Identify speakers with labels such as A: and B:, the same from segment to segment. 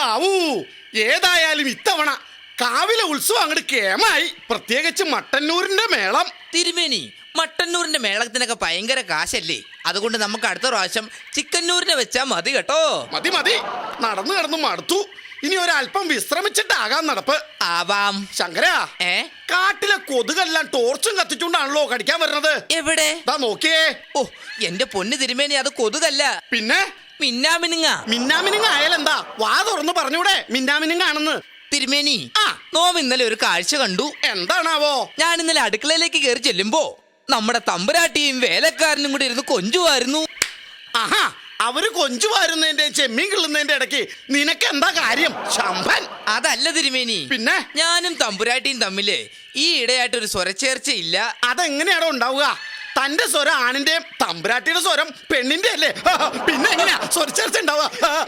A: ഹാവൂ, ഏതായാലും ഇത്തവണ കാവിലെ ഉത്സവം അങ്ങോട്ട് കേമായി. പ്രത്യേകിച്ച് മട്ടന്നൂരിന്റെ മേളം.
B: തിരുമേനി, മട്ടന്നൂരിന്റെ മേളത്തിനൊക്കെ ഭയങ്കര കാശല്ലേ? അതുകൊണ്ട് നമുക്ക് അടുത്ത പ്രാവശ്യം ചിക്കന്നൂരിനെ വെച്ചാ മതി കേട്ടോ.
A: മതി മതി, നടന്നു കിടന്നു മടുത്തു. ഇനി ഒരല്പം വിശ്രമിച്ചിട്ടാകാം നടപ്പ്.
B: ആവാം.
A: ശങ്കരാ, കാട്ടിലെ കൊതുകെല്ലാം ടോർച്ചും കത്തിച്ചുകൊണ്ടാണല്ലോ കടിക്കാൻ വരുന്നത്.
B: എവിടെ?
A: ദാ നോക്കിയേ.
B: ഓ എന്റെ പൊന്ന് തിരുമേനി, അത് കൊതുകല്ല,
A: പിന്നെ
B: മിന്നാമിനുങ്ങ.
A: മിന്നാമിനുങ്ങ ആയാലെന്താ? വാ തുറന്ന് പറഞ്ഞൂടെ മിന്നാമിനുങ്ങാണെന്ന്.
B: തിരുമേനി, നോം ഇന്നലെ ഒരു കാഴ്ച കണ്ടു.
A: എന്താണാവോ?
B: ഞാൻ ഇന്നലെ അടുക്കളയിലേക്ക് കയറി ചെല്ലുമ്പോ നമ്മുടെ തമ്പുരാട്ടിയും വേലക്കാരനും കൂടി ഇരുന്ന് കൊഞ്ചുമായിരുന്നു.
A: ആഹാ, അവര് കൊഞ്ചുവാരുന്നതിന്റെ ചെമ്മീൻ കിള്ളുന്നതിന്റെ ഇടയ്ക്ക് നിനക്ക് എന്താ കാര്യം ശമ്പൻ?
B: അതല്ല തിരുമേനി,
A: പിന്നെ
B: ഞാനും തമ്പുരാട്ടിയും തമ്മില് ഈ ഇടയായിട്ടൊരു സ്വരച്ചേർച്ചയില്ല.
A: അതെങ്ങനെയാണോ ഉണ്ടാവുക? തന്റെ സ്വരം ആണിന്റെയും തമ്പുരാട്ടിയുടെ സ്വരം പെണ്ണിന്റെ അല്ലേ? പിന്നെ എങ്ങനെയാ സ്വരച്ചേർച്ച ഉണ്ടാവുക?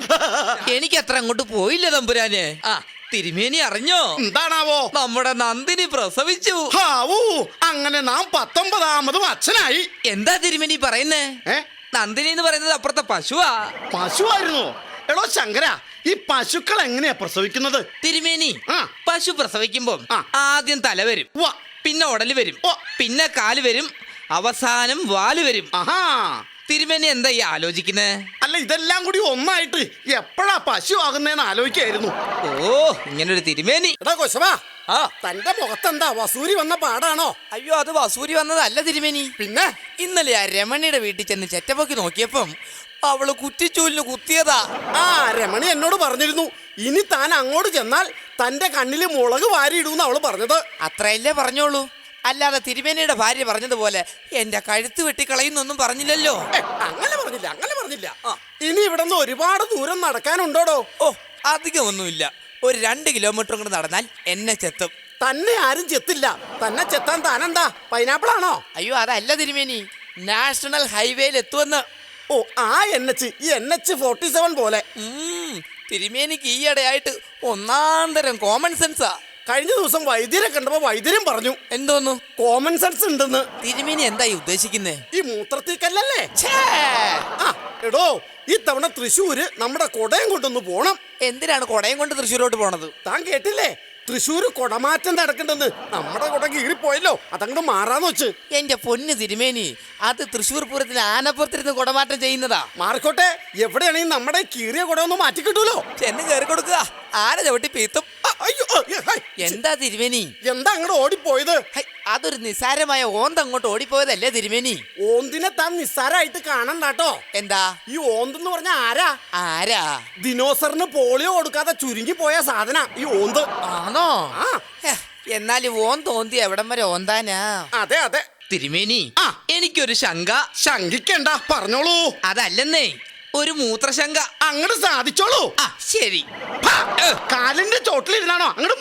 B: എനിക്ക് അത്ര അങ്ങോട്ട് പോയില്ല തമ്പുരാന്. തിരുമേനി അറിഞ്ഞോ?
A: എന്താണാവോ?
B: നമ്മുടെ നന്ദിനി പ്രസവിച്ചു.
A: ഹാവൂ, അങ്ങനെ നാം 19ാമതും അച്ഛനായി.
B: എന്താ തിരുമേനി പറയുന്നേ? നന്ദിനി എന്ന് പറയുന്നത് അപ്പുറത്തെ പശുവാ.
A: പശുവായിരുന്നു? എടോ ശങ്കര, ഈ പശുക്കൾ എങ്ങനെയാ പ്രസവിക്കുന്നത്?
B: തിരുമേനി, പശു പ്രസവിക്കുമ്പോ ആദ്യം തല വരും, പിന്നെ ഉടല് വരും, പിന്നെ കാല് വരും, അവസാനം വാല് വരും.
A: ആഹാ,
B: തിരുമേനി എന്താ ഈ ആലോചിക്കുന്നേ?
A: അല്ല, ഇതെല്ലാം കൂടി ഒന്നായിട്ട് എപ്പോഴാ പശു ആകുന്നേന്ന് ആലോചിക്കായിരുന്നു.
B: ഓ, ഇങ്ങനൊരു തിരുമേനി.
A: എടാ കൊശവാ, തന്റെ മുഖത്തെന്താ വസൂരി വന്ന പാടാണോ?
B: അയ്യോ, അത് വസൂരി വന്നതല്ല തിരുമേനി.
A: പിന്നെ
B: ഇന്നലെ ആ രമണിയുടെ വീട്ടിൽ ചെന്ന് ചെറ്റപ്പൊക്കി നോക്കിയപ്പം അവള് കുറ്റിച്ചൂലിന് കുത്തിയതാ.
A: രമണി എന്നോട് പറഞ്ഞിരുന്നു, ഇനി താൻ അങ്ങോട്ട് ചെന്നാൽ തന്റെ കണ്ണില് മുളക് വാരിയിടൂന്ന് അവള് പറഞ്ഞത്.
B: അത്രയല്ലേ പറഞ്ഞോളൂ, അല്ലാതെ തിരുമേനിയുടെ ഭാര്യ പറഞ്ഞതുപോലെ എന്റെ കഴുത്ത് വെട്ടിക്കളയുന്നൊന്നും പറഞ്ഞില്ലല്ലോ.
A: അങ്ങനെ പറഞ്ഞില്ല. ഇനി ഇവിടെ നിന്ന് ഒരുപാട് ദൂരം നടക്കാനുണ്ടോടോ?
B: ഓ, അധികമൊന്നുമില്ല. ഒരു 2 കിലോമീറ്റർ കൂടെ നടന്നാൽ എന്നെ ചെത്തും.
A: തന്നെ ആരും ചെത്തില്ല. തന്നെ ചെത്താൻ താനെന്താ പൈനാപ്പിൾ ആണോ?
B: അയ്യോ, അതല്ല തിരുമേനി, നാഷണൽ ഹൈവേയിൽ എത്തുമെന്ന്.
A: ഓ, ആ NH, ഈ NH-47 പോലെ.
B: തിരുമേനിക്ക് ഈയിടെയായിട്ട് ഒന്നാന്തരം കോമൺ സെൻസാ.
A: കഴിഞ്ഞ ദിവസം വൈദ്യരെ കണ്ടപ്പോ വൈദ്യരും പറഞ്ഞു.
B: എന്തോന്നു?
A: കോമൺ സെൻസ് ഉണ്ടെന്ന്.
B: തിരുമേനി എന്താ ഉദ്ദേശിക്കുന്നേ?
A: ഈ മൂത്രത്തിക്കല്ലേ? എടോ, ഈ തവണ തൃശ്ശൂര് നമ്മുടെ കൊടയം കൊണ്ടൊന്ന് പോണം.
B: എന്തിനാണ് കൊടയം കൊണ്ട് തൃശ്ശൂരോട്ട് പോണത്?
A: താൻ കേട്ടില്ലേ? തൃശ്ശൂര് കൊടമാറ്റം നടക്കണ്ടെന്ന്. നമ്മുടെ കൊട കീറിപ്പോയല്ലോ, അതങ്ങോട്ട് മാറാന്ന് വെച്ച്.
B: എന്റെ പൊന്ന് തിരുമേനി, അത് തൃശ്ശൂർ പൂരത്തിന് ആനപ്പുറത്തിരുന്ന് കൊടമാറ്റം ചെയ്യുന്നതാ.
A: മാറിക്കോട്ടെ, എവിടെയാണെങ്കിൽ നമ്മുടെ കീറിയ കൊട ഒന്ന് മാറ്റി കിട്ടൂലോ.
B: ചെന്ന് കയറി കൊടുക്കുക, ആന ചവിട്ടി പീത്തും. എന്താ തിരുമേനി?
A: എന്താ അങ്ങോട്ട് ഓടിപ്പോയത്?
B: അതൊരു നിസ്സാരമായ ഓന്ത് അങ്ങോട്ട് ഓടിപ്പോയതല്ലേ തിരുമേനി?
A: ഓന്തിനെ താൻ നിസ്സാരമായിട്ട് കാണണ്ടാട്ടോ.
B: എന്താ
A: ഈ ഓന്തെന്ന് പറഞ്ഞ
B: ആരാ?
A: ദിനോസറിന് പോളിയോ കൊടുക്കാതെ ചുരുങ്ങി പോയ സാധന ഈ ഓന്ത്.
B: ആണോ? എന്നാൽ ഓൻ തോന്തി എവിടം വരെ ഓന്താനാ?
A: അതെ അതെ
B: തിരുമേനി, എനിക്കൊരു ശങ്ക.
A: ശങ്കിക്കണ്ട, പറഞ്ഞോളൂ.
B: അതല്ലെന്നേ, ഒരു മൂത്രശങ്ക.
A: അങ്ങോട്ട് സാധിച്ചോളൂ.
B: ശരി.
A: കാലിന്റെ ചോട്ടിലിരുന്നാണോ അങ്ങോട്ട്?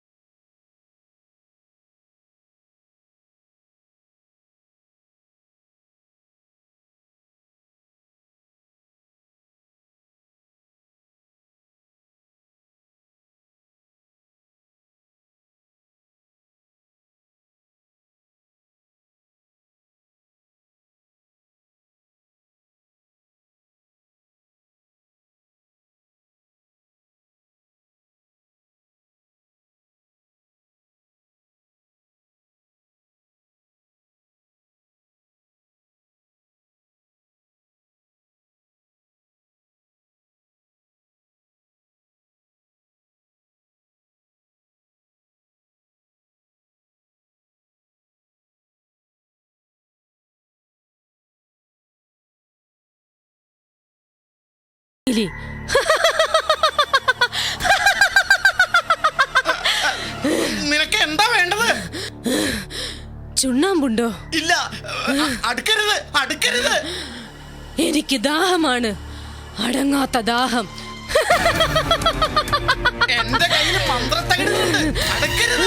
A: നിനക്ക് എന്താ വേണ്ടത്?
C: ചുണ്ണാമ്പുണ്ടോ?
A: ഇല്ല, അടുക്കരുത്.
C: എനിക്ക് ദാഹമാണ്, അടങ്ങാത്ത ദാഹം.
A: എന്റെ കയ്യിൽ മന്ത്രത്തകിടുന്നുണ്ട്. അടുക്കരുത്.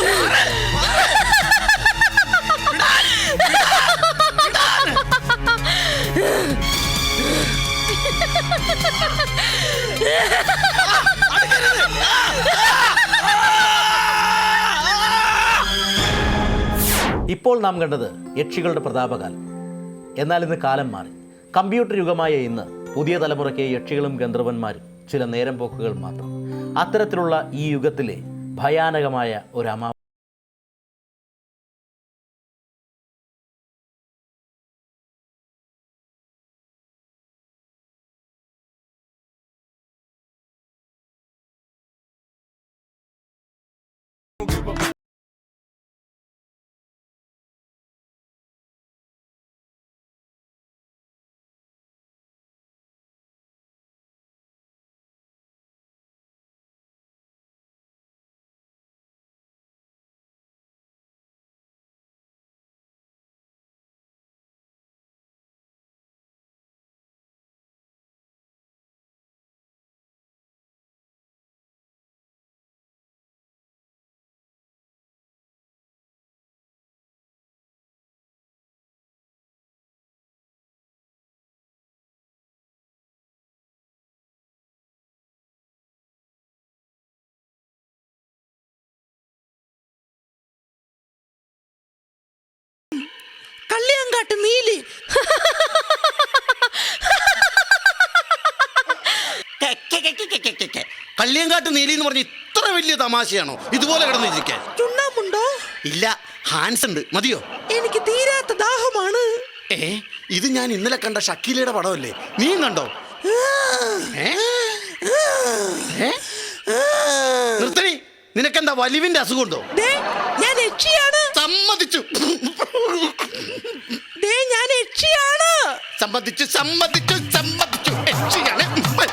D: ഇപ്പോൾ നാം കണ്ടത് യക്ഷികളുടെ പ്രതാപകാലം. എന്നാൽ ഇന്ന് കാലം മാറി. കമ്പ്യൂട്ടർ യുഗമായ ഇന്ന് പുതിയ തലമുറയ്ക്ക് യക്ഷികളും ഗന്ധർവന്മാരും ചില നേരം പോക്കുകൾ മാത്രം. അത്തരത്തിലുള്ള ഈ യുഗത്തിലെ ഭയാനകമായ ഒരു
E: കള്ളിയങ്കാട്ട് നീലി.
A: കള്ളിയങ്കാട്ട് നീലി എന്ന് പറഞ്ഞ ഇത്ര വലിയ തമാശയാണോ ഇതുപോലെ കിടന്നിരിക്കാൻ?
E: ചുണ്ണാമ്പുണ്ടോ?
A: ഇല്ല, ഹാൻസ് ഉണ്ട്. മതിയോ?
E: എനിക്ക് തീരാത്ത ദാഹമാണ്.
A: ഇത് ഞാൻ ഇന്നലെ കണ്ട ഷക്കീലയുടെ പടമല്ലേ? നീ കണ്ടോ? നിർത്തണി, നിനക്കെന്താ വലിവിന്റെ അസുഖമുണ്ടോ?
E: ഞാൻ യക്ഷിയാണ്.
A: സമ്മതിച്ചു.
E: ഞാൻ യക്ഷിയാണ്.
A: സമ്മതിച്ചു സമ്മതിച്ചു സമ്മതിച്ചു. യക്ഷിയാണ്.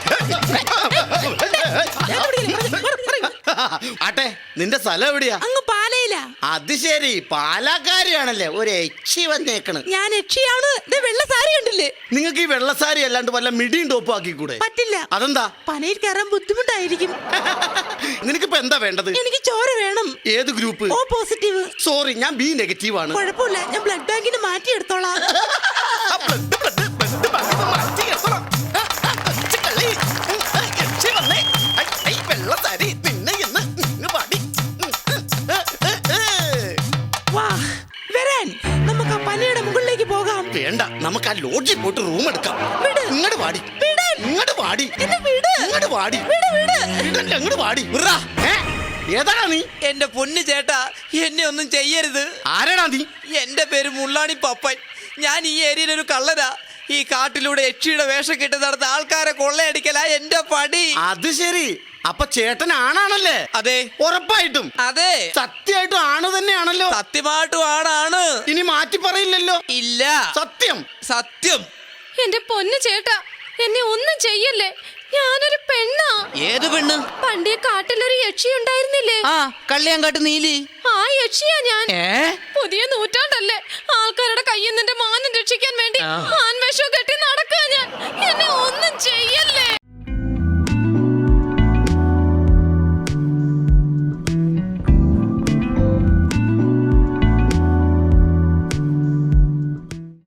A: ആട്ടെ, നിന്റെ സ്ഥലം എവിടെയാ?
E: അങ്ങ് പാലയില.
A: അത് ശരി, പാലക്കാരിയാണല്ലേ. ഒരു യക്ഷി വന്നേക്കണ്.
E: ഞാൻ യക്ഷിയാണ്. വെള്ള സാരി ഉണ്ടല്ലേ?
A: നിങ്ങൾക്ക് ഈ വെള്ളസാരി അല്ലാണ്ട് വല്ല മിടിയും ടോപ്പും ആക്കിക്കൂടെ?
E: പറ്റില്ല.
A: അതെന്താ?
E: പനയിൽ കയറാൻ ബുദ്ധിമുട്ടായിരിക്കും.
A: നിനക്കിപ്പോ എന്താ വേണ്ടത്?
E: എനിക്ക് ചോര വേണം.
A: ഏത് ഗ്രൂപ്പ്?
E: O positive.
A: സോറി, ഞാൻ ബി നെഗറ്റീവ് ആണ്.
E: കുഴപ്പമില്ല, ഞാൻ ബ്ലഡ് ബാങ്കിന് മാറ്റിയെടുത്തോളാം. നമുക്ക് ആ പനയുടെ മുകളിലേക്ക് പോകാം.
A: വേണ്ട, നമുക്ക് ആ ലോഡ്ജിൽ പോയിട്ട് റൂം എടുക്കാം. ഇങ്ങോട്ട് വാടി. ഇങ്ങോട്ട് വാടി. ഇങ്ങോട്ട് വാടി. ഇങ്ങോട്ട് വാടി. ഏതാടാ നീ?
B: എന്റെ പൊന്നു ചേട്ടാ, എന്നെ ഒന്നും ചെയ്യരുത്.
A: ആരാടാ നീ?
B: എന്റെ പേര് മുള്ളാണി പപ്പൻ. ഞാൻ ഈ ഏരിയയിൽ ഒരു കള്ളനാ. ഈ കാട്ടിലൂടെ യക്ഷിയുടെ വേഷം കെട്ടി നടന്ന ആൾക്കാരെ കൊള്ളയടിക്കലാ എന്റെ പടി.
A: അത് ശരി, അപ്പൊ ചേട്ടൻ ആണാണല്ലേ?
B: അതെ,
A: ഉറപ്പായിട്ടും.
B: അതെ,
A: സത്യമായിട്ടും ആണ് തന്നെയാണല്ലോ.
B: സത്യമായിട്ടും ആണാണ്.
A: ഇനി മാറ്റി പറയില്ലല്ലോ?
B: ഇല്ല,
A: സത്യം
B: സത്യം.
C: എന്റെ പൊന്നു ചേട്ടാ, എന്നെ ഒന്നും ചെയ്യല്ലേ. ഞാനൊരു പെണ്ണാ.
B: ഏത് പെണ്ണ്?
C: പണ്ടേ കാട്ടിലൊരു യക്ഷി ഉണ്ടായിരുന്നില്ലേ?
B: ആ, കള്ളിയങ്കാട്ട് നീലി.
C: ആ യക്ഷിയാ ഞാൻ. പുതിയ നൂറ്റാണ്ടല്ലേ, ആൾക്കാരുടെ കയ്യിൽ നിന്റെ മാനം രക്ഷിക്കാൻ വേണ്ടി ആൺവേഷം കെട്ടി